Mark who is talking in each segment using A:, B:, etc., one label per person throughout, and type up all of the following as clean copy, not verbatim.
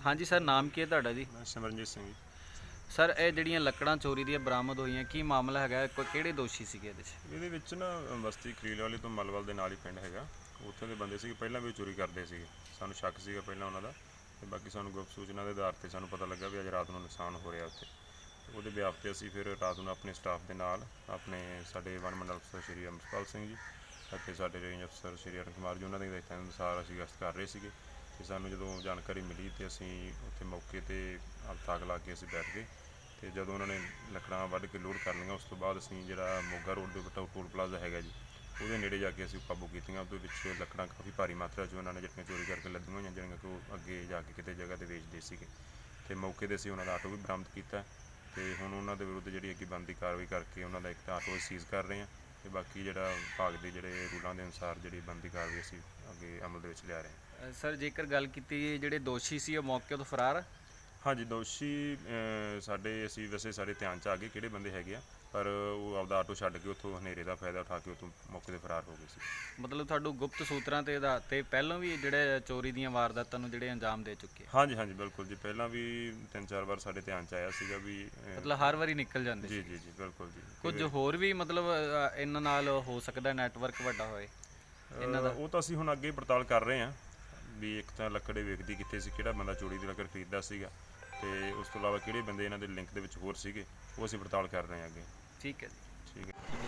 A: हाँ जी सर, नाम की है तुहाडा जी?
B: मैं सिमरनजीत सिंह जी।
A: सर ਇਹ ਜਿਹੜੀਆਂ ਲੱਕੜਾਂ ਚੋਰੀ ਦੀਆਂ ਬਰਾਮਦ ਹੋਈਆਂ ਕੀ ਮਾਮਲਾ ਹੈਗਾ ਕੋਈ ਕਿਹੜੇ ਦੋਸ਼ੀ ਸੀਗੇ ਇਹਦੇ 'ਚ?
B: ਇਹਦੇ ਵਿੱਚ ਨਾ ਬਸਤੀ ਖਲੀਲ ਵਾਲੀ ਤੋਂ ਮਲਵਲ ਦੇ ਨਾਲ ਹੀ ਪਿੰਡ ਹੈਗਾ। ਉੱਥੇ ਦੇ ਬੰਦੇ ਸੀਗੇ, ਪਹਿਲਾਂ ਵੀ ਚੋਰੀ ਕਰਦੇ ਸੀਗੇ। ਸਾਨੂੰ ਸ਼ੱਕ ਸੀਗਾ ਪਹਿਲਾਂ ਉਹਨਾਂ ਦਾ, ਤੇ ਬਾਕੀ ਸਾਨੂੰ ਗੁਪਤ ਸੂਚਨਾ ਦੇ ਆਧਾਰ ਤੇ ਸਾਨੂੰ ਪਤਾ ਲੱਗਾ ਵੀ ਅੱਜ ਰਾਤ ਨੂੰ ਨੁਕਸਾਨ ਹੋ ਰਿਹਾ ਉੱਥੇ। ਉਹਦੇ ਵਿਆਪ ਤੇ ਅਸੀਂ ਫਿਰ ਰਾਤ ਨੂੰ ਆਪਣੇ ਸਟਾਫ ਦੇ ਨਾਲ ਆਪਣੇ ਸਾਡੇ ਵਨ ਮੰਡਲ ਅਫਸਰ ਸ਼੍ਰੀ ਅਮਰਪਾਲ ਸਿੰਘ ਜੀ ਅਤੇ ਸਾਡੇ ਰੇਂਜ ਅਫਸਰ ਸ਼੍ਰੀ ਅਰੁਣ ਕੁਮਾਰ ਜੀ, ਉਹਨਾਂ ਦੇ ਹਦਾਇਤਾਂ ਅਨੁਸਾਰ ਅਸੀਂ ਗਸ਼ਤ ਕਰ ਰਹੇ ਸੀਗੇ। ਤੇ ਸਾਨੂੰ ਜਦੋਂ ਜਾਣਕਾਰੀ ਮਿਲੀ ਤੇ ਅਸੀਂ ਉੱਥੇ ਮੌਕੇ ਤੇ ਤਾਕ ਲਾ ਕੇ ਅਸੀਂ ਬੈਠ ਗਏ। ਤੇ ਜਦੋਂ ਉਹਨਾਂ ਨੇ ਲੱਕੜਾਂ ਵੱਢ ਕੇ ਲੋਡ ਕਰ ਲਈਆਂ, ਉਸ ਤੋਂ ਬਾਅਦ ਅਸੀਂ ਜਿਹੜਾ ਮੋਗਾ ਰੋਡ ਦੇ ਉੱਤੇ ਟੋਲ ਪਲਾਜ਼ਾ ਹੈਗਾ ਜੀ, ਉਹਦੇ ਨੇੜੇ ਜਾ ਕੇ ਅਸੀਂ ਕਾਬੂ ਕੀਤੀਆਂ। ਉਹਦੇ ਵਿੱਚ ਲੱਕੜਾਂ ਕਾਫੀ ਭਾਰੀ ਮਾਤਰਾ 'ਚ ਉਹਨਾਂ ਨੇ ਜਿਹੜੀਆਂ ਚੋਰੀ ਕਰਕੇ ਲੱਦੀਆਂ ਹੋਈਆਂ, ਜਿਹੜੀਆਂ ਕਿ ਉਹ ਅੱਗੇ ਜਾ ਕੇ ਕਿਤੇ ਜਗ੍ਹਾ 'ਤੇ ਵੇਚਦੇ ਸੀਗੇ। ਤੇ ਮੌਕੇ 'ਤੇ ਅਸੀਂ ਉਹਨਾਂ ਦਾ ਆਟੋ ਵੀ ਬਰਾਮਦ ਕੀਤਾ ਤੇ ਹੁਣ ਉਹਨਾਂ ਦੇ ਵਿਰੁੱਧ ਜਿਹੜੀ ਅੱਗੇ ਬਣਦੀ ਕਾਰਵਾਈ ਕਰਕੇ ਉਹਨਾਂ ਦਾ ਇੱਕ ਤਾਂ ਆਟੋ ਸੀਜ਼ ਕਰ ਰਹੇ ਹਾਂ ਤੇ ਬਾਕੀ ਜਿਹੜਾ ਵਿਭਾਗ ਦੇ ਜਿਹੜੇ ਰੂਲਾਂ ਦੇ ਅਨੁਸਾਰ ਜਿਹੜੀ ਬਣਦੀ ਕਾਰਵਾਈ ਅਸੀਂ ਅੱਗੇ ਅਮਲ ਦੇ ਵਿੱਚ ਲਿਆ ਰਹੇ ਹਾਂ।
A: ਸਰ ਜੇਕਰ ਗੱਲ ਕੀਤੀ ਜਿਹੜੇ ਦੋਸ਼ੀ ਸੀ ਉਹ ਮੌਕੇ ਤੋਂ ਫਰਾਰ?
B: ਹਾਂਜੀ, ਦੋਸ਼ੀ ਸਾਡੇ ਅਸੀਂ ਵੈਸੇ ਸਾਡੇ ਧਿਆਨ 'ਚ ਆ ਗਏ ਕਿਹੜੇ ਬੰਦੇ ਹੈਗੇ ਆ, ਪਰ ਉਹ ਆਪਦਾ ਆਟੋ ਛੱਡ ਕੇ ਉੱਥੋਂ ਹਨੇਰੇ ਦਾ ਫਾਇਦਾ ਉਠਾ ਕੇ ਉੱਥੋਂ ਮੌਕੇ 'ਤੇ ਫਰਾਰ ਹੋ ਗਏ ਸੀ।
A: ਮਤਲਬ ਤੁਹਾਨੂੰ ਗੁਪਤ ਸੂਤਰਾਂ ਤੇ ਆਧਾਰ ਤੇ ਪਹਿਲਾਂ ਵੀ ਜਿਹੜੇ ਚੋਰੀ ਦੀਆਂ ਵਾਰਦਾਤਾਂ ਨੂੰ ਜਿਹੜੇ ਅੰਜਾਮ ਦੇ ਚੁੱਕੇ?
B: ਹਾਂਜੀ ਹਾਂਜੀ, ਬਿਲਕੁਲ ਜੀ, ਪਹਿਲਾਂ ਵੀ 3-4 ਵਾਰ ਸਾਡੇ ਧਿਆਨ 'ਚ ਆਇਆ ਸੀਗਾ ਵੀ
A: ਮਤਲਬ ਹਰ ਵਾਰੀ ਨਿਕਲ ਜਾਂਦੇ
B: ਜੀ
A: ਸੀ?
B: ਜੀ ਜੀ, ਬਿਲਕੁਲ ਜੀ।
A: ਕੁਝ ਹੋਰ ਵੀ ਮਤਲਬ ਇਹਨਾਂ ਨਾਲ ਹੋ ਸਕਦਾ ਨੈਟਵਰਕ ਵੱਡਾ ਹੋਏ ਇਹਨਾਂ ਦਾ?
B: ਉਹ ਤਾਂ ਅਸੀਂ ਹੁਣ ਅੱਗੇ ਪੜਤਾਲ ਕਰ ਰਹੇ ਹਾਂ ਵੀ ਇੱਕ ਤਾਂ ਲੱਕੜੇ ਵੇਚਦੀ ਕਿੱਥੇ ਸੀ, ਕਿਹੜਾ ਬੰਦਾ ਚੋਰੀ ਦੀ ਲੱਕੜ ਖਰੀਦਦਾ ਸੀਗਾ, ਤੇ ਉਸ ਤੋਂ ਇਲਾਵਾ ਕਿਹੜੇ ਬੰਦੇ ਇਹਨਾਂ ਦੇ ਲਿੰਕ ਦੇ ਵਿੱਚ ਹੋਰ ਸੀਗੇ, ਉਹ ਅਸੀਂ ਪੜਤਾਲ ਕਰ ਰਹੇ ਹਾਂ ਅੱਗੇ।
A: ਠੀਕ ਹੈ ਜੀ,
B: ਠੀਕ ਹੈ।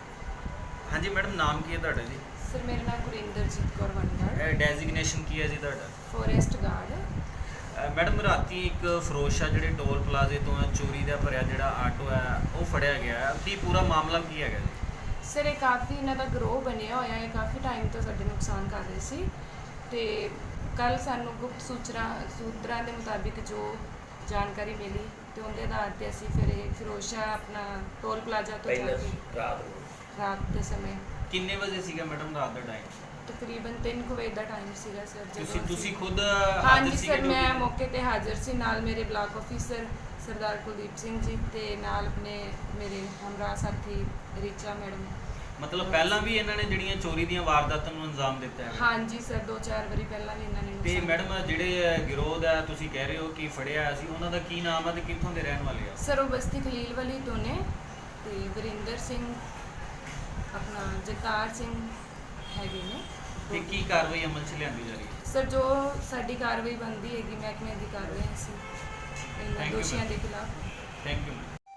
A: ਹਾਂਜੀ ਮੈਡਮ, ਨਾਮ ਕੀ ਹੈ ਤੁਹਾਡਾ ਜੀ?
C: ਸਰ ਮੇਰਾ ਨਾਮ ਗੁਰਿੰਦਰਜੀਤ ਕੌਰ ਵੰਡਰ,
A: ਡੈਜ਼ਿਗਨੇਸ਼ਨ ਕੀ ਹੈ ਜੀ ਤੁਹਾਡਾ?
C: Forest guard.
A: ਮੈਡਮ ਰਾਤੀ ਇੱਕ ਫਰੋਸ਼ਾ ਜਿਹੜੇ ਟੋਲ ਪਲਾਜ਼ੇ ਤੋਂ ਚੋਰੀ ਦਾ ਭਰਿਆ ਜਿਹੜਾ ਆਟੋ ਹੈ ਉਹ ਫੜਿਆ ਗਿਆ ਹੈ, ਕੀ ਪੂਰਾ ਮਾਮਲਾ ਕੀ ਹੈਗਾ ਜੀ?
C: ਸਰ ਇਹ ਕਾਫੀ ਇਹਨਾਂ ਦਾ ਗਰੋਹ ਬਣਿਆ ਹੋਇਆ ਹੈ, ਕਾਫੀ ਟਾਈਮ ਤੋਂ ਸਾਡੇ ਨੁਕਸਾਨ ਕਰ ਰਹੇ ਸੀ ਤੇ ਕੱਲ ਸਾਨੂੰ ਗੁਪਤ ਸੂਤਰਾਂ ਦੇ ਮੁਤਾਬਿਕ ਜੋ ਜਾਣਕਾਰੀ ਮਿਲੀ ਤੇ ਉਹਦੇ ਆਧਾਰ ਤੇ ਅਸੀਂ ਫਿਰ ਇਹ ਫਿਰੋਸ਼ਾ ਆਪਣਾ ਟੋਲ ਪਲਾਜ਼ਾ ਤੋਂ ਜਾ ਕੇ ਰਾਤ ਦੇ ਸਮੇਂ
A: ਕਿੰਨੇ ਵਜੇ ਸੀਗਾ ਮੈਡਮ ਰਾਤ ਦਾ ਟਾਈਮ?
C: ਤਕਰੀਬਨ 3 ਵਜੇ ਦਾ ਟਾਈਮ ਸੀਗਾ ਸਰ।
A: ਤੁਸੀਂ ਖੁਦ
C: ਹਾਂਜੀ ਸਰ, ਮੈਂ ਮੌਕੇ ਤੇ ਹਾਜ਼ਰ ਸੀ, ਨਾਲ ਮੇਰੇ ਬਲਾਕ ਆਫੀਸਰ ਸਰਦਾਰ ਕੁਲਦੀਪ ਸਿੰਘ ਜੀ ਤੇ ਨਾਲ ਆਪਣੇ ਮੇਰੇ ਹਮਰਾਹ ਸਾਥੀ ਰਿਚਾ ਮੈਡਮ।
A: ਮਤਲਬ ਪਹਿਲਾਂ ਵੀ ਇਹਨਾਂ ਨੇ ਜਿਹੜੀਆਂ ਚੋਰੀ ਦੀਆਂ ਵਾਰਦਾਤਾਂ ਨੂੰ ਅੰਜਾਮ ਦਿੱਤਾ ਹੈ?
C: ਹਾਂਜੀ ਸਰ, 2-4 ਵਾਰੀ ਪਹਿਲਾਂ ਵੀ ਇਹਨਾਂ ਨੇ
A: ਤੇ ਮੈਡਮ ਜਿਹੜੇ ਗਿਰੋਹ ਦਾ ਤੁਸੀਂ ਕਹਿ ਰਹੇ ਹੋ ਕਿ ਫੜਿਆ ਸੀ, ਉਹਨਾਂ ਦਾ ਕੀ ਨਾਮ ਹੈ ਤੇ ਕਿੱਥੋਂ ਦੇ ਰਹਿਣ ਵਾਲੇ ਆ?
C: ਸਰ ਉਹ ਬਸਤੀ ਖਲੀਲ ਵਾਲੀ ਤੋਂ ਨੇ ਤੇ ਵਰਿੰਦਰ ਸਿੰਘ ਆਪਣਾ ਜਗਤਾਰ ਸਿੰਘ ਹੈਗੇ ਨੇ।
A: ਤੇ ਕੀ ਕਾਰਵਾਈ ਅਮਲ 'ਚ ਲਿਆਂਦੀ ਜਾ ਰਹੀ ਹੈ?
C: ਸਰ ਜੋ ਸਾਡੀ ਕਾਰਵਾਈ ਬਣਦੀ ਹੈਗੀ ਮਹਿਕਮੇ ਦੀ ਕਾਰਵਾਈ ਸੀ ਇਹਨਾਂ ਦੋਸ਼ੀਆਂ ਦੇ ਖਿਲਾਫ।
A: Thank you.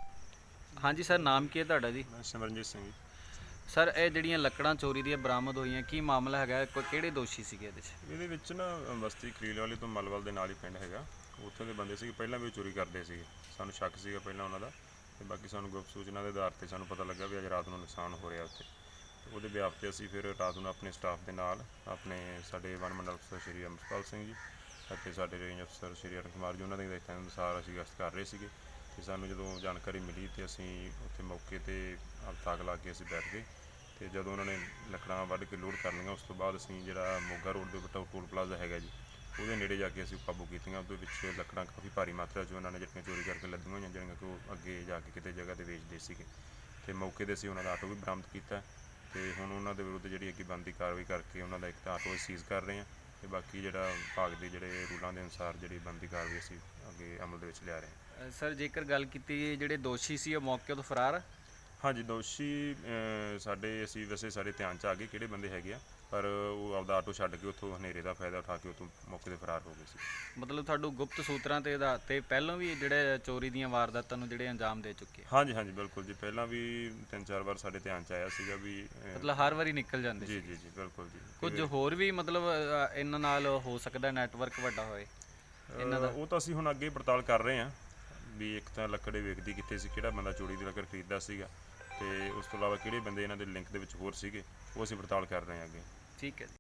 A: ਹਾਂਜੀ ਸਰ, ਨਾਮ ਕੀ ਹੈ ਤੁਹਾਡਾ ਜੀ?
B: ਮੈਂ ਸਿਮਰਨਜੀਤ ਸਿੰਘ ਜੀ।
A: ਸਰ ਇਹ ਜਿਹੜੀਆਂ ਲੱਕੜਾਂ ਚੋਰੀ ਦੀਆਂ ਬਰਾਮਦ ਹੋਈਆਂ ਕੀ ਮਾਮਲਾ ਹੈਗਾ ਕੋਈ ਕਿਹੜੇ ਦੋਸ਼ੀ ਸੀਗੇ ਇਹਦੇ 'ਚ?
B: ਇਹਦੇ ਵਿੱਚ ਨਾ ਬਸਤੀ ਖਲੀਲ ਵਾਲੀ ਤੋਂ ਮਲਵਲ ਦੇ ਨਾਲ ਹੀ ਪਿੰਡ ਹੈਗਾ। ਉੱਥੇ ਦੇ ਬੰਦੇ ਸੀਗੇ, ਪਹਿਲਾਂ ਵੀ ਚੋਰੀ ਕਰਦੇ ਸੀਗੇ। ਸਾਨੂੰ ਸ਼ੱਕ ਸੀਗਾ ਪਹਿਲਾਂ ਉਹਨਾਂ ਦਾ, ਤੇ ਬਾਕੀ ਸਾਨੂੰ ਗੁਪਤ ਸੂਚਨਾ ਦੇ ਆਧਾਰ ਤੇ ਸਾਨੂੰ ਪਤਾ ਲੱਗਾ ਵੀ ਅੱਜ ਰਾਤ ਨੂੰ ਨੁਕਸਾਨ ਹੋ ਰਿਹਾ ਉੱਥੇ। ਉਹਦੇ ਵਿਆਪ ਤੇ ਅਸੀਂ ਫਿਰ ਰਾਤ ਨੂੰ ਆਪਣੇ ਸਟਾਫ ਦੇ ਨਾਲ ਆਪਣੇ ਸਾਡੇ ਵਨ ਮੰਡਲ ਅਫਸਰ ਸ਼੍ਰੀ ਅਮਰਪਾਲ ਸਿੰਘ ਜੀ ਅਤੇ ਸਾਡੇ ਰੇਂਜ ਅਫਸਰ ਸ਼੍ਰੀ ਅਰੁਣ ਕੁਮਾਰ ਜੀ, ਉਹਨਾਂ ਦੇ ਹਦਾਇਤਾਂ ਅਨੁਸਾਰ ਅਸੀਂ ਗਸ਼ਤ ਕਰ ਰਹੇ ਸੀਗੇ। ਤੇ ਸਾਨੂੰ ਜਦੋਂ ਜਾਣਕਾਰੀ ਮਿਲੀ ਤੇ ਅਸੀਂ ਉੱਥੇ ਮੌਕੇ ਤੇ ਤਾਕ ਲਾ ਕੇ ਅਸੀਂ ਬੈਠ ਗਏ। ਤੇ ਜਦੋਂ ਉਹਨਾਂ ਨੇ ਲੱਕੜਾਂ ਵੱਢ ਕੇ ਲੋਡ ਕਰ ਲਈਆਂ, ਉਸ ਤੋਂ ਬਾਅਦ ਅਸੀਂ ਜਿਹੜਾ ਮੋਗਾ ਰੋਡ ਦੇ ਉੱਤੇ ਟੋਲ ਪਲਾਜ਼ਾ ਹੈਗਾ ਜੀ, ਉਹਦੇ ਨੇੜੇ ਜਾ ਕੇ ਅਸੀਂ ਕਾਬੂ ਕੀਤੀਆਂ। ਉਹਦੇ ਵਿੱਚ ਲੱਕੜਾਂ ਕਾਫੀ ਭਾਰੀ ਮਾਤਰਾ 'ਚ ਉਹਨਾਂ ਨੇ ਜਿਹੜੀਆਂ ਚੋਰੀ ਕਰਕੇ ਲੱਦੀਆਂ ਹੋਈਆਂ, ਜਿਹੜੀਆਂ ਕਿ ਉਹ ਅੱਗੇ ਜਾ ਕੇ ਕਿਤੇ ਜਗ੍ਹਾ 'ਤੇ ਵੇਚਦੇ ਸੀਗੇ। ਤੇ ਮੌਕੇ 'ਤੇ ਅਸੀਂ ਉਹਨਾਂ ਦਾ ਆਟੋ ਵੀ ਬਰਾਮਦ ਕੀਤਾ ਤੇ ਹੁਣ ਉਹਨਾਂ ਦੇ ਵਿਰੁੱਧ ਜਿਹੜੀ ਅੱਗੇ ਬਣਦੀ ਕਾਰਵਾਈ ਕਰਕੇ ਉਹਨਾਂ ਦਾ ਇੱਕ ਤਾਂ ਆਟੋ ਸੀਜ਼ ਕਰ ਰਹੇ ਹਾਂ ਤੇ ਬਾਕੀ ਜਿਹੜਾ ਵਿਭਾਗ ਦੇ ਜਿਹੜੇ ਰੂਲਾਂ ਦੇ ਅਨੁਸਾਰ ਜਿਹੜੀ ਬਣਦੀ ਕਾਰਵਾਈ ਅਸੀਂ ਅੱਗੇ ਅਮਲ ਦੇ ਵਿੱਚ ਲਿਆ ਰਹੇ ਹਾਂ।
A: ਸਰ ਜੇਕਰ ਗੱਲ ਕੀਤੀ ਜਿਹੜੇ ਦੋਸ਼ੀ ਸੀ ਉਹ ਮੌਕੇ ਤੋਂ ਫਰਾਰ?
B: ਹਾਂਜੀ, ਦੋਸ਼ੀ ਸਾਡੇ ਅਸੀਂ ਵੈਸੇ ਸਾਡੇ ਧਿਆਨ 'ਚ ਆ ਗਏ ਕਿਹੜੇ ਬੰਦੇ ਹੈਗੇ ਆ, ਪਰ ਉਹ ਆਪਦਾ ਆਟੋ ਛੱਡ ਕੇ ਉੱਥੋਂ ਹਨੇਰੇ ਦਾ ਫਾਇਦਾ ਉਠਾ ਕੇ ਉੱਥੋਂ ਮੌਕੇ 'ਤੇ ਫਰਾਰ ਹੋ ਗਏ ਸੀ।
A: ਮਤਲਬ ਤੁਹਾਨੂੰ ਗੁਪਤ ਸੂਤਰਾਂ ਤੇ ਆਧਾਰ ਤੇ ਪਹਿਲਾਂ ਵੀ ਜਿਹੜੇ ਚੋਰੀ ਦੀਆਂ ਵਾਰਦਾਤਾਂ ਨੂੰ ਜਿਹੜੇ ਅੰਜਾਮ ਦੇ ਚੁੱਕੇ?
B: ਹਾਂਜੀ ਹਾਂਜੀ, ਬਿਲਕੁਲ ਜੀ, ਪਹਿਲਾਂ ਵੀ 3-4 ਵਾਰ ਸਾਡੇ ਧਿਆਨ 'ਚ ਆਇਆ ਸੀਗਾ ਵੀ
A: ਮਤਲਬ ਹਰ ਵਾਰੀ ਨਿਕਲ ਜਾਂਦੇ
B: ਜੀ
A: ਸੀ?
B: ਜੀ ਜੀ, ਬਿਲਕੁਲ ਜੀ।
A: ਕੁਝ ਹੋਰ ਵੀ ਮਤਲਬ ਇਹਨਾਂ ਨਾਲ ਹੋ ਸਕਦਾ ਨੈਟਵਰਕ ਵੱਡਾ ਹੋਏ ਇਹਨਾਂ ਦਾ?
B: ਉਹ ਤਾਂ ਅਸੀਂ ਹੁਣ ਅੱਗੇ ਪੜਤਾਲ ਕਰ ਰਹੇ ਹਾਂ ਵੀ ਇੱਕ ਤਾਂ ਲੱਕੜੇ ਵੇਚਦੀ ਕਿੱਥੇ ਸੀ, ਕਿਹੜਾ ਬੰਦਾ ਚੋਰੀ ਦੀ ਲੱਕੜ ਖਰੀਦਦਾ ਸੀਗਾ, ਤੇ ਉਸ ਤੋਂ ਇਲਾਵਾ ਕਿਹੜੇ ਬੰਦੇ ਇਹਨਾਂ ਦੇ ਲਿੰਕ ਦੇ ਵਿੱਚ ਹੋਰ ਸੀਗੇ, ਉਹ ਅਸੀਂ ਪੜਤਾਲ ਕਰ ਰਹੇ ਹਾਂ ਅੱਗੇ।
A: ਠੀਕ ਹੈ ਜੀ।